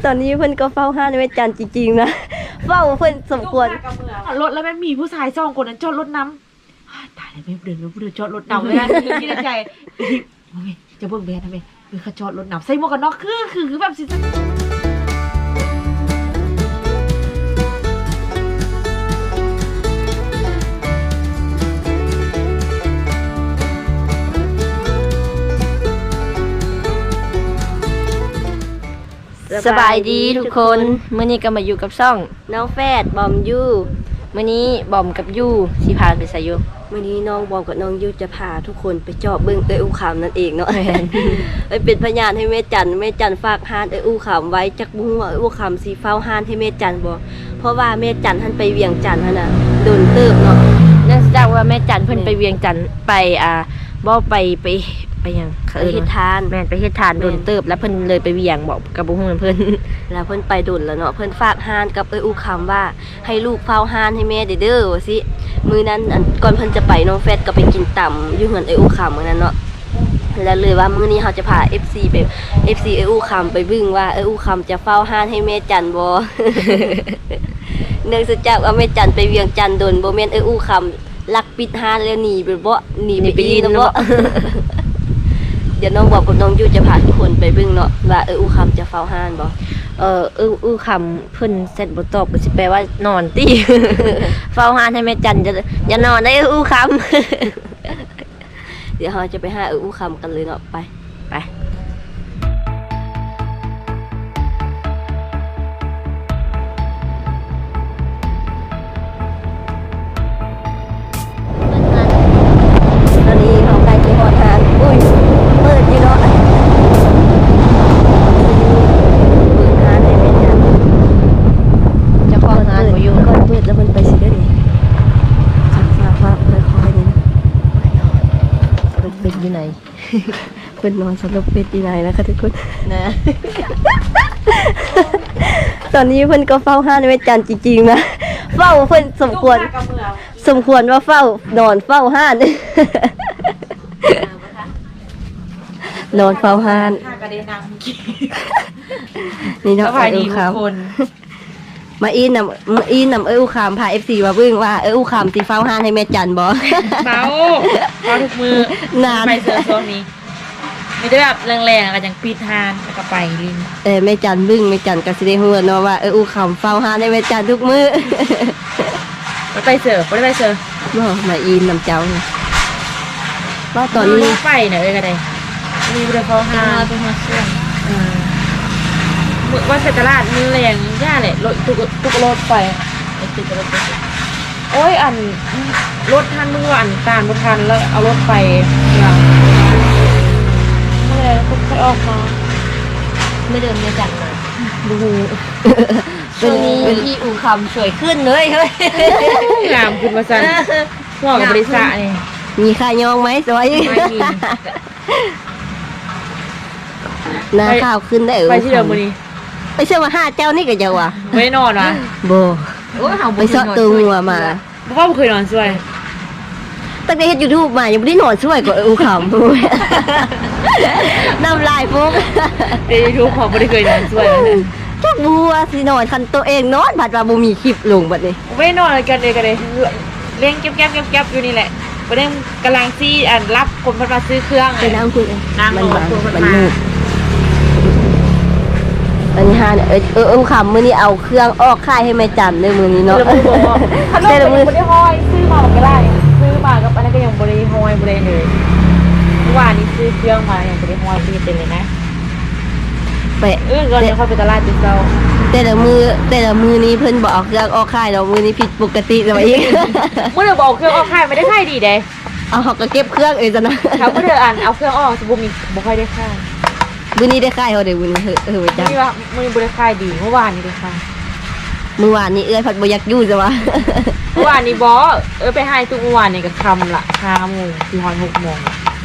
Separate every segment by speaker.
Speaker 1: ตอนนี้เพิ่นก็เฝ้าห้านแม่จันจริงๆนะเฝ้าเพิ่นสมควร
Speaker 2: รถแล้วแม่มีผู้ชาย2 คนนั้นจอดรถน้ำตายแล้วไม่เดินไม่เดินจอดรถน้ำเลยนะคิดในใจจะเบิ่งแบนทำไมเขาจอดรถน้ำใส่หมวกกันน็อกคือแบบสิ
Speaker 1: สบายดีทุกคนมื้อนี้ก็มาอยู่กับช่องน้องแฟดบอมยูมื้อนี้บอมกับยูสิพาไปไสอยู่มื้อนี้น้องบอมกับน้องยูจะพาทุกคนไปเจาะเบิ่งอู่ขามนั่นเองเนาะเป็นพยานให้แม่จันฝากห้านอู่ขามไว้จักบ่ฮู้ว่าอู่ขามสิเฝ้าห้านให้แม่จันบ่เพราะว่าแม่จันท่านไปเวียงจันทน์หั่นน่ะโดนเติบเนาะนั่นแสดงว่าแม่จันเพิ่นไปเวียงจันทน์ไปบ่ไปยังไปเฮ็ดทานแม่นไปเฮ็ดทานโดนเติบแล้วเพิ่นเลยไปเวียงบอกกับบ่ฮู้เพิ่นแล้วเพิ่นไปโดนแล้วเนาะเพิ่นฝากห้านกับอู่คำว่าให้ลูกเฝ้าห้านให้แม่เด้อว่าสิมื้อนั้นก่อนเพิ่นจะไปน้องแฟดก็ไปกินต่ำอยู่เฮือนอู่คำมื้อนั้นเนาะแล้วเลยว่ามื้อนี้เฮาจะพา FC ไป FC อู่คำไปเบิ่งว่าอู่คำจะเฝ้าห้านให้แม่จันบ่ เนื่องจากว่าแม่จันไปเวียงจันทน์โดนบ่แม่นอู่คำลักปิดห้านแล้วหนีไปบ่หนีไปยืนบ่เดี๋ยวน้องบอกกับน้องยูจะพาทุกคนไปเบิ่งเนาะว่าอู่คำจะเฝ้าห้านบ่อู่คำเพิ่นเสร็จบ่ตอบก็สิแปลว่านอนติ เฝ้าห้านให้แม่จันอย่านอนได้อู่คำ เดี๋ยวเราจะไปหาอู่คำกันเลยเนาะไปตอนนี้เขาใกล้จะฮอดห้านอุ้ยเปิดอยู่เนาะจะคล้องห้านบ่อยู่ก่อนเปิดแล้วมันไปสิได้ดิฟ้าค่อยๆนี่นะเป็นอยู่ไหน เป็นนอนสลบเป็นอยู่ไหนนะคะทุกคนนะ ตอนนี้เพิ่นก็เฝ้าห้านแม่จันจริงๆนะเฝ้าเพิ่นสมควรว่าเฝ้านอนเฝ้าห้าน นอนเฝ้าห้านนี่เนาะอู่คำมาอีนำอู่คำพา FC มาเบิ่งว่าอู่คำสิเฝ้าห้านให้แม่จันบ่
Speaker 2: เฝ้าทุกมือนานไปเสือโซนนี้ไม่ได้แบบแรงๆอะไรอย่างปีทานแล้วก็ไปลิน
Speaker 1: แม่จันบึ้งแม่จันก็สิได้ฮู้เนาะว่าอู่คำเฝ้าห้านให้แม่จันทุกมื้อ
Speaker 2: บ่ไปเสือบ่ได้ไปเสือ
Speaker 1: บ่มาอีนนำเจ้าว่าตอนนี้
Speaker 2: ไปน่ะก็ได้มีบ่ได้เฝ้าห้านเป็นมาเชื่อว่าเศรษฐราชมือแรงย่าเลยรถตุกรถไปโอ้ยรถทันมือตามรถทันแล้วเอารถไปอย่างเมื่อไรก็ค่อยออกมา
Speaker 1: ไม่เดินไม่จันมาดูช่วงนี้ที่อู่คำสวยขึ้นเลยเฮ้ย
Speaker 2: งามขึ้นมาสั่นหัวกับบริษัทนี่
Speaker 1: มีค่ายองไหมสวยหน้าข้าวขึ้นได้
Speaker 2: ไปที่เดิมวันนี้
Speaker 1: ไปเชื่อว่า5เจ้านี่ก็จะว่ะ
Speaker 2: ไม่นอนวะ
Speaker 1: โบไปเสาะตัวงัวมา
Speaker 2: เพราะว่าเคยนอนช่วย
Speaker 1: ตั้งแต่เฮ็ด YouTube มายังไม่ได้นอนช่วยก็อู่คำน้ำลายฟุก
Speaker 2: ใน YouTube ของไม่ได้เคยนอนช่วย
Speaker 1: จักบัวสินอนคันตัวเองนอนผัดว่าบ่มีคลิปลงบัดนี้
Speaker 2: ไม่นอนกันเลยเลี้ยงแก๊บอยู่นี่แหละประเด็นกำลังซี่รับคนมาซื้อเครื่อง
Speaker 1: ไปนั่งคุย
Speaker 2: มัน
Speaker 1: อันนี้ฮะคำมื้อนี้เอาเครื่องออกค่ายให้แม่จันเลยมื้อนี้เนาะ
Speaker 2: แต่ละมื้อบ่ได้ห้อยซื้อมาก็ได้ซื้อมากับอันนั้นก็ยังบ่ได้ห้อยบ่ได้เลยเมื่อวานนี้ซื้อเครื่องมายังบ่ได้ห้อยบ่เป็นเลยนะไปก่อนจะเข้าไปตลาดติเซา
Speaker 1: แต่ละมือนี้เพิ่นบ่เอาเครื่องออกค่ายดอกมื้อนี้ผิดปกติซะว่าอีก
Speaker 2: มื้อเดียวบ่เอาเครื่องออกค่ายไม่ได้ค่ายดีเด้
Speaker 1: เอาเฮาก็เก็บเครื่องซะนะ
Speaker 2: ถ้ามื้อเดียวเอาเครื่องออกสิบ่ค่อยได้ค่าย
Speaker 1: มื้อนี้ได้ค่ายเฮาได้มื้อนี้
Speaker 2: จังมื้อบ่ได้ค่ายดีเมื่อวานนี้ได้ค่าย
Speaker 1: เมื่อวานนี้ผัดบ่อยากอยู่ซะว่า
Speaker 2: เมื่อวานนี้บ่ไปให้ทุกเมื่อวานนี่ก็ค่ำละ5 โมงถึง 6 โมง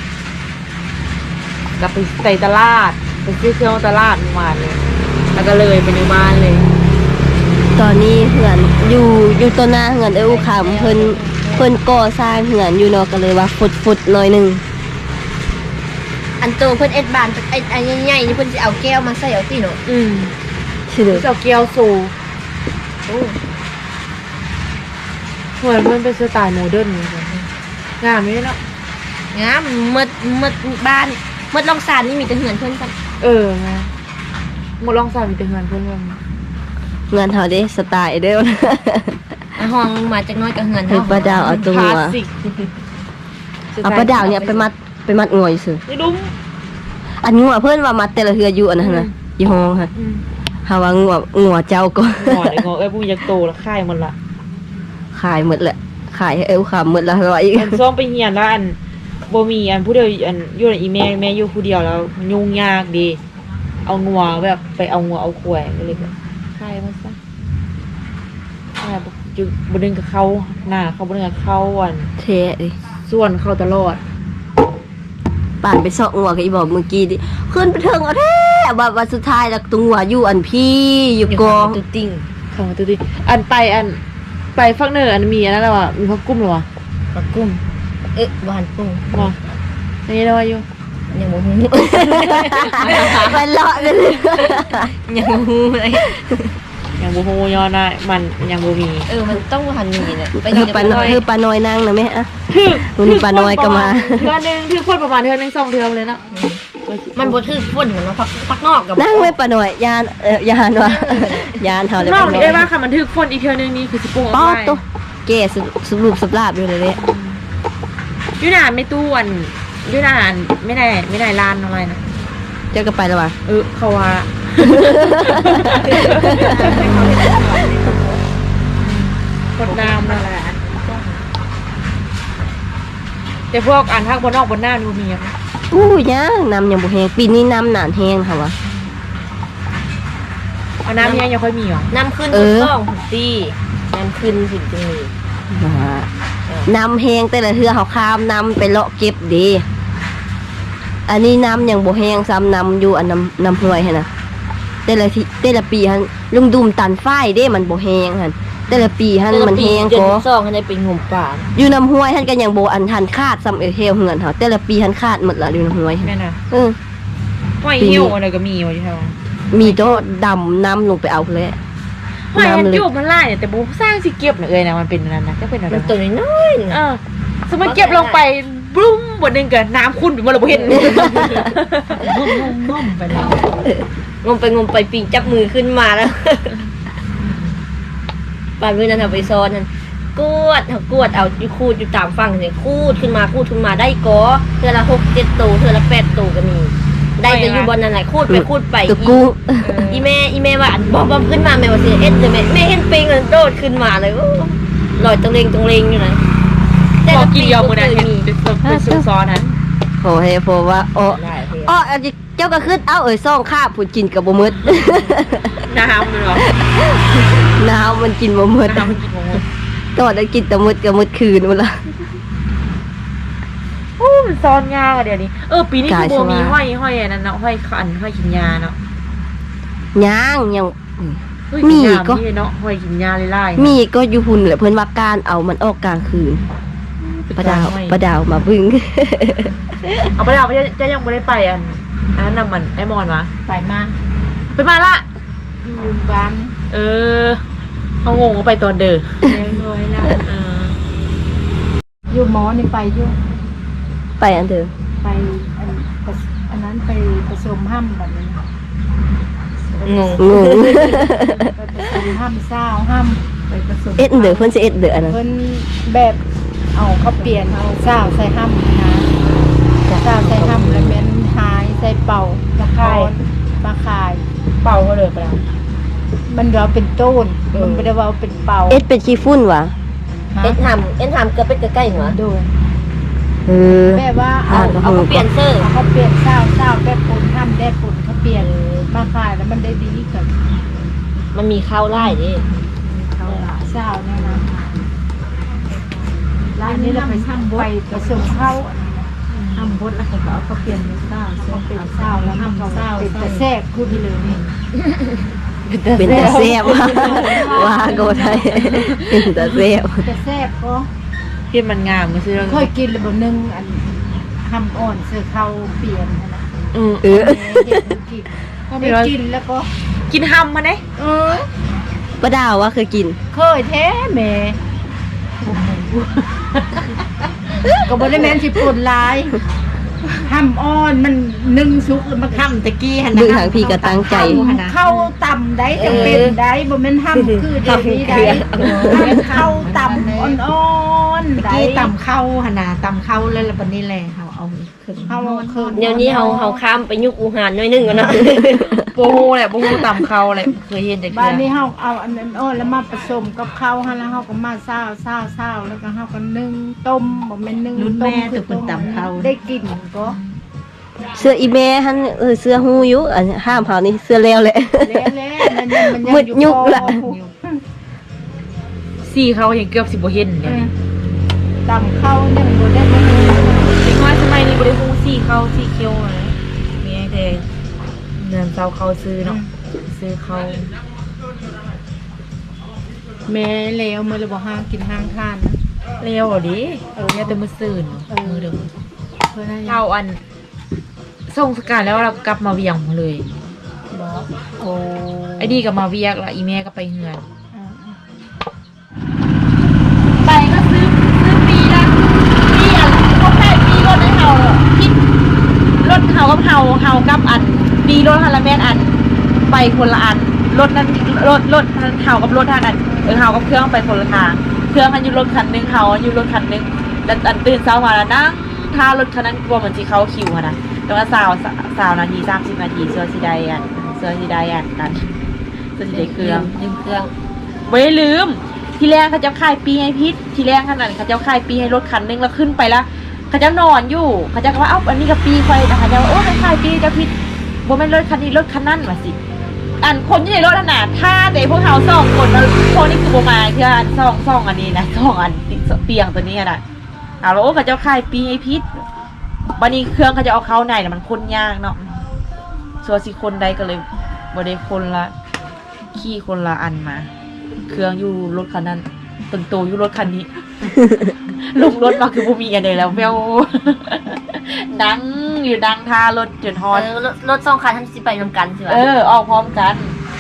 Speaker 2: ก็ไปใส่ตลาดไปซื้อเครื่องตลาดเมื่อวานเลยแล้วก็เลยไปในบ้านเลย
Speaker 1: ตอนนี้เหือนอยู่ต้นหน้าเหือนอู่คำเพิ่นก่อสร้างเหือนอยู่เนาะก็เลยว่าฟุดหน่อยนึงอันโตเพิ่นเอ็ดบานไอ้ใหญ่ๆนี่เพิ่นสิเอาแก้วมาใส่เอาติเนาะ
Speaker 2: ใ
Speaker 1: ชื่อเด้อ
Speaker 2: เจ้าเกียวโซเหมือนมันเป็นสไตล์โมเดิร์นงามไหมเนาะ
Speaker 1: งามมืดบ้านมืดลองสานนี่มีแต่เหือนเพิ่นกัน
Speaker 2: ไงหมดลองสามมีแต่เงินเพื่อน
Speaker 1: เงินเฮาเด้สไตล์เด้อ ห้องมาจากน้อยกับเหือนเฮาป้าดาวเอาตัว
Speaker 2: คลาสสิก
Speaker 1: เอาป้าดาวเนี่ยไปมัดงวยซื่อ
Speaker 2: นี่ดุ้ม
Speaker 1: อันงัวเพิ่นว่ามัดแต่ละเฮืออยู่อันนั้นน่ะอยู่ห้องค่ะหาว่างัวเจ้าก็
Speaker 2: หมอเด็กงอผู้ยักโตแล้วค่ายมันละ
Speaker 1: ขายหมดแหละขายให้เอวขาหมดละร้อย
Speaker 2: อันซ่อมไปเฮียนแล้วอันบ่มีอันผู้เดียวอันอยู่ในอีแม่อยู่ผู้เดียวแล้วยุ่งยากดีเอางัวแบบไปเอางัวเอาควายก็เลยแบบค่ายมันซะค่ายจุบ่ดึงกับเขาหน้าเขาบ่ดึงกับเขาอัน
Speaker 1: เท่ดิ
Speaker 2: ส่วนเขาตลอด
Speaker 1: ป่านไปซอกงัวกับอีบอกเมื่อกี้ดิขึ้นไปเทิงเอาแท้ว่าสุดท้ายแล้วตัวงัวอยู่อันพี่อยู่กองตุ๊ติ้ง
Speaker 2: เข้ามาตัวดิอันไปฟักเนอร์อันมีอันนั้นแล้วอ่ะมีพักกุ้มหรอวะ
Speaker 1: ปักกุ้มหวานกุ้ง
Speaker 2: บ่นี่แล้วอยู่
Speaker 1: ยังบ่ฮู้ ไปเลาะเลยยังบ่ฮู้เลย
Speaker 2: ยังบ่ฮู้ย้อนได้มันยังบ่มี
Speaker 1: มันต้องหันมีเนี่ยไปอยู่ปลาน้อยปลาน้อยนั่งนะแม่อะ
Speaker 2: ถึก
Speaker 1: วันนี้ปลาน้อยก็มา
Speaker 2: เทื่อนึงถึกคนประมาณเทื่อนึง2เทื่อเลยเนาะ
Speaker 1: มันบ่ถือฝนเหมือนเนาะพักนอกกับนั่งไว้ปลาน้อยยานยานว่ายานเฮาเลย
Speaker 2: นอกนี่ได้ว่าค่ะมันถึกคนอีกเทื่อนึงนี่คือสิปรุง
Speaker 1: ป๊อ
Speaker 2: เอา
Speaker 1: ด
Speaker 2: ไว้
Speaker 1: ตัวแก่สรุปสลาบอยู่เลยเด้
Speaker 2: อยู่นานไม่ตู้อันอยู่นานไม่ได้ร้านอะไรนะ
Speaker 1: เจ้าก็ไปแล้วว่ะ
Speaker 2: เขาว่าคนน้ำนั่นแหละแต่พวกอันทักบนนอกบนหน้าดูมีอ่ะ
Speaker 1: อู้ยังน้ำยังบ่แห้งปีนี้น้ำหนานแห้งค่ะวะ
Speaker 2: เอาน้ำยังค่อยมีหรอ
Speaker 1: น้ำขึ้นต้องตีน้ำขึ้นถึงจะมีน้ำแห้งแต่ละเทือเขาข้ามน้ำไปเลาะเก็บดีอันนี้น้ำยังบ่แห้งซ้ำน้ำอยู่อันน้ำห้วยหั่นน่ะแต่ละปีฮันลุงดุมตันฝ้ายเด้มันบ่แห้งหั่นแต่ละปีฮันมันแห้งก็2ให้ได้เป็นงมป่าอยู่น้ำห้วยฮันก็ยังบ่อันทันคาดซ้ำเฮลเหือนเฮาแต่ละปีฮันคาดหมดละอยู่น้ำห้วย
Speaker 2: แม่น่ะ
Speaker 1: ห้วย
Speaker 2: หิ้วอะไรก็มีอยู่ที่เฮา
Speaker 1: มีโตดำน้ำลงไปเอาเลย
Speaker 2: ห้วยหิ้วมันไล่แต่บ่สร้างสิเก็บน่ะนะมันเป็นนั่นนะก็เป็นอะไร
Speaker 1: มันตัวน้อยๆ
Speaker 2: สมมุติเก็บลงไปบลุ้มบนนึงก็น้ำขุ่นไปหมดแล้วบ่เห็นงมไปแล้ว
Speaker 1: งมไปปีงจับมือขึ้นมาแล้วป่านมื้อนั้นเอาไปซ้อนนั่นกวดเอาอยู่คูดอยู่ตามฝั่งนี่คูดขึ้นมาได้กอเทื่อละ6 7ตัวเทื่อละ8ตัวก็มีได้แต่อยู่บนนั้นแหละคูดไปอีแม่ว่าบ่ขึ้นมาแม่ว่าสิเอ็ดเลยแม่เห็นปิงมันโดดขึ้นมาเลยลอยตรงเลงอยู่นะ
Speaker 2: แต่ละปีเอามื้อนั้นเห็นเป็นซุปซอสนั้น
Speaker 1: โหเฮ้เพราะว่าเจ้าก็ขึ้นเอาซ่องข้าผู้กินกับบ่หมด
Speaker 2: น้ำเลยเหรอ
Speaker 1: น้ำมันกินบ่หมด
Speaker 2: น้ำมันกินบ่หมด
Speaker 1: ตอนได้กินแต่หมดก็หมดคืนหมดละ
Speaker 2: โอ้มันซ้อนยากอ่ะเดี๋ยวนี้ปีนี้คือโบมีห้อยอันนั้นเนาะห้อยกินยาเนาะ
Speaker 1: ยัง
Speaker 2: มีก็เนาะห้อยกินยาไล่ๆ
Speaker 1: มีก็อยู่หุ่นแหละเพิ่นว่าการเอามันออกกลางคืนปลาดาวมาบึ้ง
Speaker 2: เอาปลาดาวจะยังไม่ได้ไปอันนั้นนำมันไอ้มอนวะไปมาละลืมบ้านเขางงว่าไปตอนเด้อเลยละอยู่หมอนี่ไปอยู่
Speaker 1: ไปอันเดิม
Speaker 2: ไปอันนั้นไปผสมห้ำแบบนี้
Speaker 1: งง
Speaker 2: ไปผสมห้ำเศร้าห้ำไปผสม
Speaker 1: เอ็ดเด้อเพิ่นสิเอ็ดเด้ออันนั้น
Speaker 2: เพิ่นแบบเอาเขาเปลี่ยนเอาเศร้าใส่ห้ำนะเศร้าใส่ห้ำแล้วเป็นหายใส่เป่ามาคายเป่าก็เลยไปแล้วมันเราเป็นต้นมันไม่ได้ว่าเป็นเป่า
Speaker 1: เอ็ดเป็นขี้ฝุ่นวะเอ็ดทำเกือบเป็นใกล้หัว
Speaker 2: โดน
Speaker 3: แบบว่าเอา
Speaker 1: เขาเปลี่ยนเสื้อ
Speaker 3: เขาเปลี่ยนเศร้าแบบปุ่นทำได้ปุ่นเขาเปลี่ยนมาขายแล้วมันได้ดีกับ
Speaker 1: มันมีข้าวไล่ดิ
Speaker 3: เขาเศร้าเนี่ยนะร้านนี้เราไปทำไปผสมข้าวทำบดแล้วก็เอาเขาเปลี่ยนเป็นเศร้าเป็นเศร้าแล้วทำเศร้าเป็นแต่แทรกคู่ไปเลยนี่
Speaker 1: เป็นตาแซ่บว่าโกไทยเป็นตาแซ่บ
Speaker 3: แต่แทรกก็
Speaker 2: ที่มันงามก็คือ
Speaker 3: เคยกินแล้วบนนึงอันทำอ่อนเสือเขาเปลี่ยนนะ
Speaker 1: เออ
Speaker 3: ได้กินแล้วก็
Speaker 2: กินหำมาเด้
Speaker 1: ป้าดาวว่าเคยกิน
Speaker 3: เคยแท้แม่ก็บ่ได้แม่นสิปนหลายห้ำอ่อนมันนึ่งสุกแล้วมาค้ำตะกี้หั่น
Speaker 1: มือทางพี่ก็ตั้งใจ
Speaker 3: เข้าต่ำได้จังเป็นได้บ่แม่นห้ำคือเดี๋ยวนี้ได้เข้าต่ำอ่อนๆ
Speaker 4: ตะ
Speaker 3: ได้
Speaker 4: กี้ตำเข้าหั่นน่ะตำเข้าแล้วบัดนี้แหละเฮาเอาขึ้น
Speaker 3: เข้าคืน
Speaker 1: เดี๋ยวนี้เฮาข้ามไปยุคอู่หานหน่อยนึงก่อนนะ
Speaker 2: โบฮูแหละโบฮูตำเขาแหละเคยเห็นแต่
Speaker 3: บ้าน
Speaker 2: เกลื
Speaker 3: นี้
Speaker 2: อ
Speaker 3: เฮาเอาอันนั้นอ่อนแล้วมาผสมกับข้าวหั่นแล้วเฮาก็มาซาวแล้วก็เฮาก็นึ่งต้มบ่แม่นนึ่ง
Speaker 4: รุ่น
Speaker 3: ต้
Speaker 4: แม่
Speaker 3: ม
Speaker 4: ตัวเพิ่นตำเข้า
Speaker 3: ได้กินก็
Speaker 1: เสื้ออีแม่หันเสื้อฮู้อยู่อันห้ามเฮานี่เสื้อแล้วแหละ
Speaker 3: แล้วมันยัง
Speaker 1: มืดยุคละ
Speaker 2: ซี่เขาเห็นเกือบสิบ่เห็นเนี่ย
Speaker 3: ตำข้าวยังบ่ได้
Speaker 2: เด็กน้อยสมัยนี้บ่ได้ฮู้ซี่เขาซี่เคียวนะมีแต่เงินเซาเขาซื้อเนาะซื้อเขา
Speaker 3: แม่แล้วมื้อละบ่ห้ามกินห้ามทานนะ
Speaker 2: เร็วอ่ะดิเนี่ยแต่มื้อซื่นมื้อเดิม
Speaker 3: เพิ่นให้
Speaker 2: เราอันส่งสการแล้วเราก็กลับมาเวียงมาเลย
Speaker 3: บ่โอ้
Speaker 2: ไอ้ดีก็มาเวียกละอีแม่ก็ไปเฮือน
Speaker 3: ไปก็ซื้อปีละปีอ่ะเขาขายปีรถให้เฮาคิด
Speaker 2: รถเฮากับกับอันปีรถฮันละแม่นอันไปคนละอันรถนั้นรถเฮากับรถทางอันเฮากับเครื่องไปคนละทางเครื่องมันอยู่รถคันนึงเฮาอยู่รถคันนึงแล้วอันตื่นเช้ามาแล้วนั่งถ้ารถคันนั้นกลัวเหมือนสิเข้าคิวอะนะแล้วก็20นาที30นาทีเสื้อสีใดอันกันเสื้อสีใดเครื่อง
Speaker 1: ลืมเครื่อง
Speaker 2: ไม่ได้ลืมทีแรกเขาจะขายปีให้พิษทีแรกขนาดเขาจะขายปีให้รถคันนึงแล้วขึ้นไปแล้วเขาจะนอนอยู่เขาจะว่าเอ้าอันนี้กับปีไฟแต่เขาจะว่าโอ้ขายปีจะพิษบ่แม่นรถคันนี้รถคันนั่นมาสิอันคนอยู่ในรถน่ะถ้าเด็กพวกเขา2คนแล้วพวกนี้คือบ่มาคืออันซ่องอันนี้นะซ่องอันเตียงตัวนี้น่ะเอาแล้วโอ้เขาจะขายปีให้พิษบัดนี้เครื่องเขาจะเอาเข้าในน่ะมันคนยากเนาะส่วนสิคนใดก็เลยบ่ได้คนละขี่คนละอันมา เครื่องอยู่รถคันนั้นตึงโตอยู่รถคันนี้ ลงรถมาคือบ่มีอันใดแล้วแมว ดังอยู่ดังท่ารถจนฮอด
Speaker 1: รถ2คันทันสิไปนำกันสิวะ
Speaker 2: ออกพร้อมกัน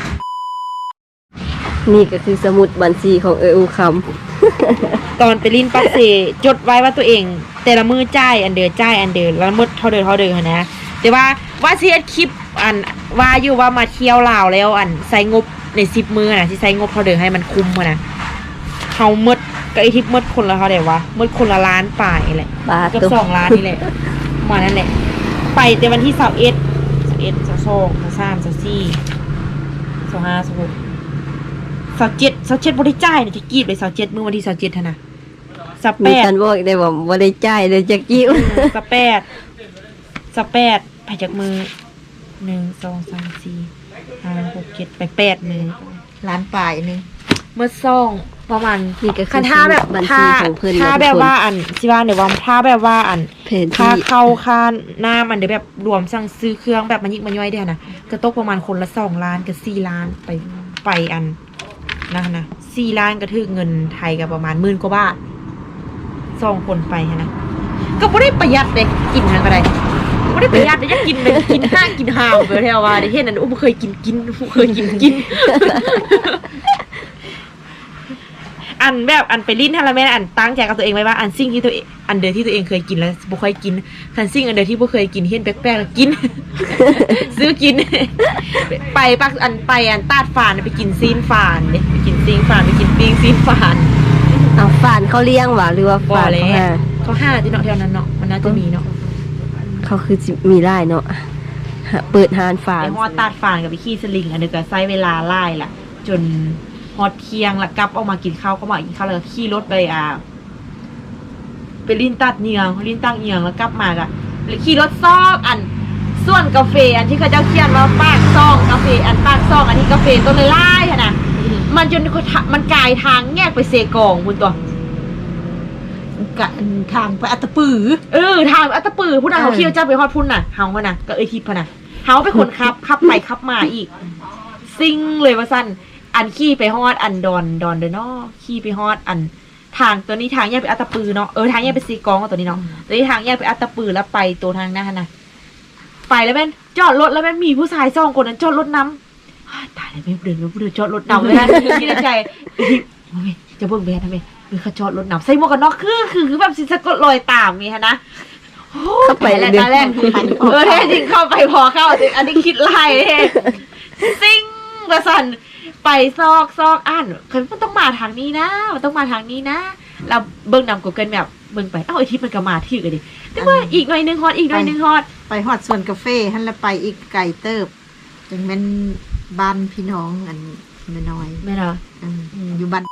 Speaker 1: นี่ก็คือสมุดบัญชีของอูคำ
Speaker 2: ตอนไปลิ้นปักเสจดไว้ว่าตัวเอง แต่ละมือจ่ายอันเดินแล้วหมดเท่าเดิมหั้นนะแต่ว่าสิเฮ็ดคลิปอันว่าอยู่ว่ามาเที่ยวลาวแล้วอันใส่งบใน10มื้อน่ะสิใส่งบเท่าเดิมให้มันคุ้มหั้นนะเฮาหมดก็ไอ้ทิปหมดคนละเท่าใดวะหมดคนละล้านป่ายแหละ
Speaker 1: บาท
Speaker 2: เกือบ
Speaker 1: ตุ๊
Speaker 2: 2 ล้านนี่แหละประมาณนั้นแหละไปแต่วันที่21 22 23 24 25 26 27บ่ได้จ่ายนะจะกรีดเลย27มื้อวันที่27หั่นน่ะ
Speaker 1: มีกั
Speaker 2: 28
Speaker 1: นบอกได้ว่าบ่ได้จ่ายเลยจักกิ้ว
Speaker 2: 28ไปจากมือ1 2 3 4 5 6 7 8มือ
Speaker 4: ร้านป่ายนึง
Speaker 2: เมื่อซ่องประมาณ
Speaker 1: นี่ก็คือ
Speaker 2: คันท่าแบบ
Speaker 1: บัญชีของเพิ่น
Speaker 2: ท่า
Speaker 1: นะ
Speaker 2: แบบ
Speaker 1: ทุกคน
Speaker 2: ว่าอันสิว่าเดี๋ยวว่าท่าแบบว่าอัน
Speaker 1: เพน
Speaker 2: ค่า
Speaker 1: ที่
Speaker 2: เข้าค่าน้ำอันเดี๋ยวแบบรวมสั่งซื้อเครื่องแบบมันยิกมันย่อยเดียวนะก็ตกประมาณคนละ2 ล้านกับ4 ล้านไปอันนะ4 ล้านก็ถือเงินไทยก็ประมาณ10,000 กว่าบาท2 คนไปนะก็บ่ได้ประหยัดเลยกินทางก็ได้บ่ได้ประหยัดเลยจะกินเลยกินห้างกินหาวไปแถวว่าได้เห็นอันบ่เคยกินเคยกิน อันแบบอันไปลิ้นฮาละแม่นอันตั้งใจกับตัวเองไว้ว่าอันสิ่งที่ตัวเองอันเดอที่ตัวเองเคยกินแล้วบ่ค่อยกินคันสิ่งอันเดอที่บ่เคยกินเห็นแปลกๆแล้วกิน ซื้อกิน ไปปักอันไปอันตาดฝานไปกินซีนฝานเด้ไปกินซีนฝานไปกินปิ้งซีนฝาน
Speaker 1: เอาฝานเขาเลี้ยงหว่าหรือว่า
Speaker 2: บ่
Speaker 1: ฝาน
Speaker 2: แล้
Speaker 1: เขาหาว
Speaker 2: เขา5ที่เนาะแถวนั้นเนาะมันน่าจะมีเนาะ
Speaker 1: เขาคือสิมีได้เนาะเปิดหานฝาน
Speaker 2: ไปฮอดตาดฝานกับไปขี่สลิงอันเดียวก็ใช้เวลาไล่ล่ะจนฮอดเที่ยงแล้วกลับออกมากินข้าวก็มากินข้าวแล้วก็ขี่รถไปไปลิ้นตัดเนียงลิ้นตั้งเนียงแล้วกลับมาก็แล้วขี่รถซอกอันส่วนกาแฟอันที่เขาเจ้าเขียนว่าปากซองกาแฟอันปากซองอันที่กาแฟต้นไล่ๆค่ะนะมันจนมันกลายทางแยกไปเซกองคุณตัว
Speaker 4: กะทางไปอัตตปือ
Speaker 2: ทางอัตตปือผู้นั้นเขาขี่รถจ้าไปฮอดพุ่นน่ะเฮาก็น่ะก็ทิพย์พะน่ะเฮาเป็นคนขับไปขับมาอีกซิ่งเลยว่าซั่นอันขี่ไปฮอดอันดอนเดอเนาะขี่ไปฮอดอันทางตัวนี้ทางแยกไปอัตตปือเนาะทางแยกไปซีกองตัวนี้เนาะตัวนี้ทางแยกไปอัตตปือแล้วไปตัวทางหน้าน่ะไปแล้วแม่นจอดรถแล้วแม่นมีผู้ชาย2 คนนั้นจอดรถนำตายแล้วไม่เดินจอดรถนำเลยนะคิดในใจจะเบิ่งแบนทำไมเขาจอดรถนำใส่หมวกกันน็อกคือแบบสิสะกดรอยตามนี่ฮะนะ
Speaker 1: เข้าไป
Speaker 2: แล้วตอนแรกแท้จริงเข้าไปพอเข้าอันนี้คิดไล่ซิ่งประสันไปซอกอ่านคือมันต้องมาทางนี้นะมันต้องมาทางนี้นะเราเบิ่งนำกูเกิลแบบเบิ่งไปไอ้ทิพย์มันก็มาที่กันดิแต่ว่าอีกหน่อยนึงฮอด
Speaker 4: ไปฮอดสวนกาแฟหั่นแล้วไปอีกไกลเติบจังแม่นบ้านพี่น้องอันน้อย
Speaker 2: แม่เนาะ
Speaker 4: อยู่บ้าน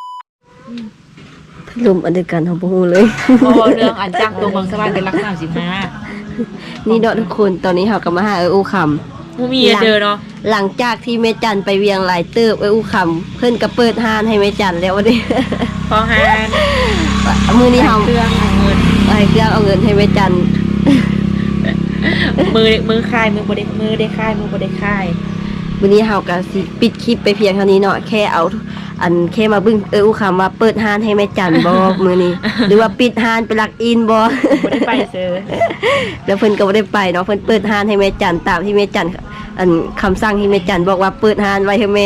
Speaker 1: ลมอันเดียวกันของพวกเราเลย
Speaker 2: พอเรื่องอันจ้างตัวเมืองสวรรค์เป็นลัก35
Speaker 1: นี่เนาะทุกคนตอนนี้เรากำลังมาหาอู้คำ
Speaker 2: มูมีเจอเนาะ
Speaker 1: หลังจากที่แม่จันไปเวียงหลายเติบอู้คำเพิ่นก็เปิดห้านให้แม่จันแล้ววันนี้
Speaker 2: พอฮาน
Speaker 1: มือนี้เฮา
Speaker 2: เครื่องเงิน
Speaker 1: ให้เครื่องเอาเงินให้แม่จัน
Speaker 2: มือคายมือบ่ได้มือได้คายมือบ่ได้คาย
Speaker 1: วันนี้เฮาก็สิปิดคลิปไปเพียงเท่านี้เนาะแค่เอาอันแค่มาเบึ้งอู้คำว่าเปิดห้านให้แม่จันบ่ มือนี้ หรือว่าปิดห้านไปลักอินบ่
Speaker 2: บ่ได้ไปเซอ
Speaker 1: แล้วเพิ่นก็บ่ได้ไปเนาะเพิ่นเปิดห้านให้แม่จันตามที่แม่จันอันคำสั่งที่แม่จันบอกว่าเปิดห้านไว้ให้แม่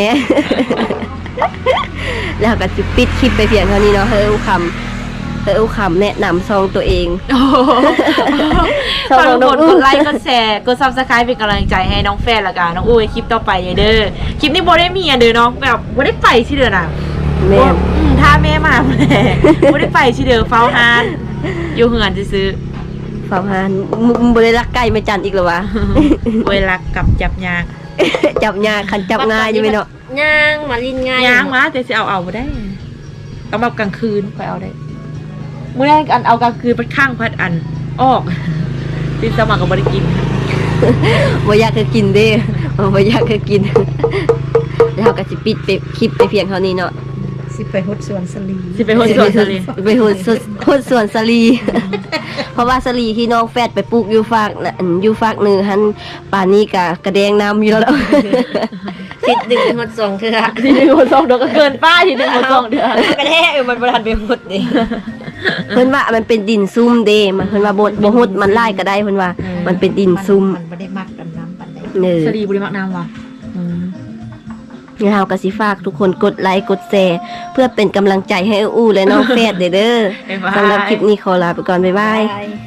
Speaker 1: แล้วก็สิปิดคลิปไปเพียงเท่านี้เนาะอู้คำแนะนำซองตัวเอง
Speaker 2: ฝากทุกคนกดไลค์กดแชร์กด Subscribe เป็นกำลังใจให้น้องแฟนละกันน้องอุ้ยคลิปต่อไปเด้อคลิปนี้บ่ได้มีอันเด้อเนาะแบบบ่ได้ไปที่เด้อน่ะ
Speaker 1: แม่
Speaker 2: ถ้าแม่มาแม่บ่ได้ไปที่เด้อเฝ้าฮานอยู่เฮือนซื้อ
Speaker 1: ฝากห้านบ่ได้รักไก่แม่จันอีกเหรอวะ
Speaker 2: เวลากับจับยาง
Speaker 1: จับยากคันจับง่ายอยู่ไหมเนาะ
Speaker 3: ย่างมาลินง่าย
Speaker 2: ยางมาแต่สิเอาบ่ได้ต้องแบบกลางคืนค่อยเอาได้มื้อแรกอันเอากลางคืนพัดข้างพัดอันออกติดสมัครก็บ่ได้กิน
Speaker 1: บ่อยากจะกินเด้บ่อยากจะกิน แล้วก็สิปิดไปคลิปไปเพียงเท่านี้เนาะ
Speaker 4: สิไปฮดสวนสลี
Speaker 2: สิไปโฮสวนเลย
Speaker 1: ไปโหดสวนสลี เพราะว่าสลีที่น้องแฟดไปปลูกอยู่ฝากน่ะอยู่ฝากหนึงหันป่านนี้ก็กระแดงน้ำอยู่แล้ว
Speaker 3: คิดดึงหดสองเถื่อ
Speaker 2: ทีนึงโฮสองเดือนก็เกินป้าทีนึงโฮสองเดือน
Speaker 3: กระแทกมันประทันไปหดดิ
Speaker 1: เพิ่นว่ามันเป็นดินซุ่มเด้มันเพิ่นว่าบ่ฮดมันไล่ก็ได้เพิ่นว่า มันเป็นดินซุ่ม
Speaker 4: มันบ่ได้มักกันน้ำปานใด
Speaker 1: เด้อ
Speaker 2: สลีบุรีมักน้ำว่ะ
Speaker 1: นี่เฮาก็สิฝากทุกคนกดไลค์กดแชร์เพื่อเป็นกำลังใจให้อู้และน้องแฟดเด้อสำหรับคลิปนี้ขอลาไปก่อนบ๊ายบาย
Speaker 3: บาย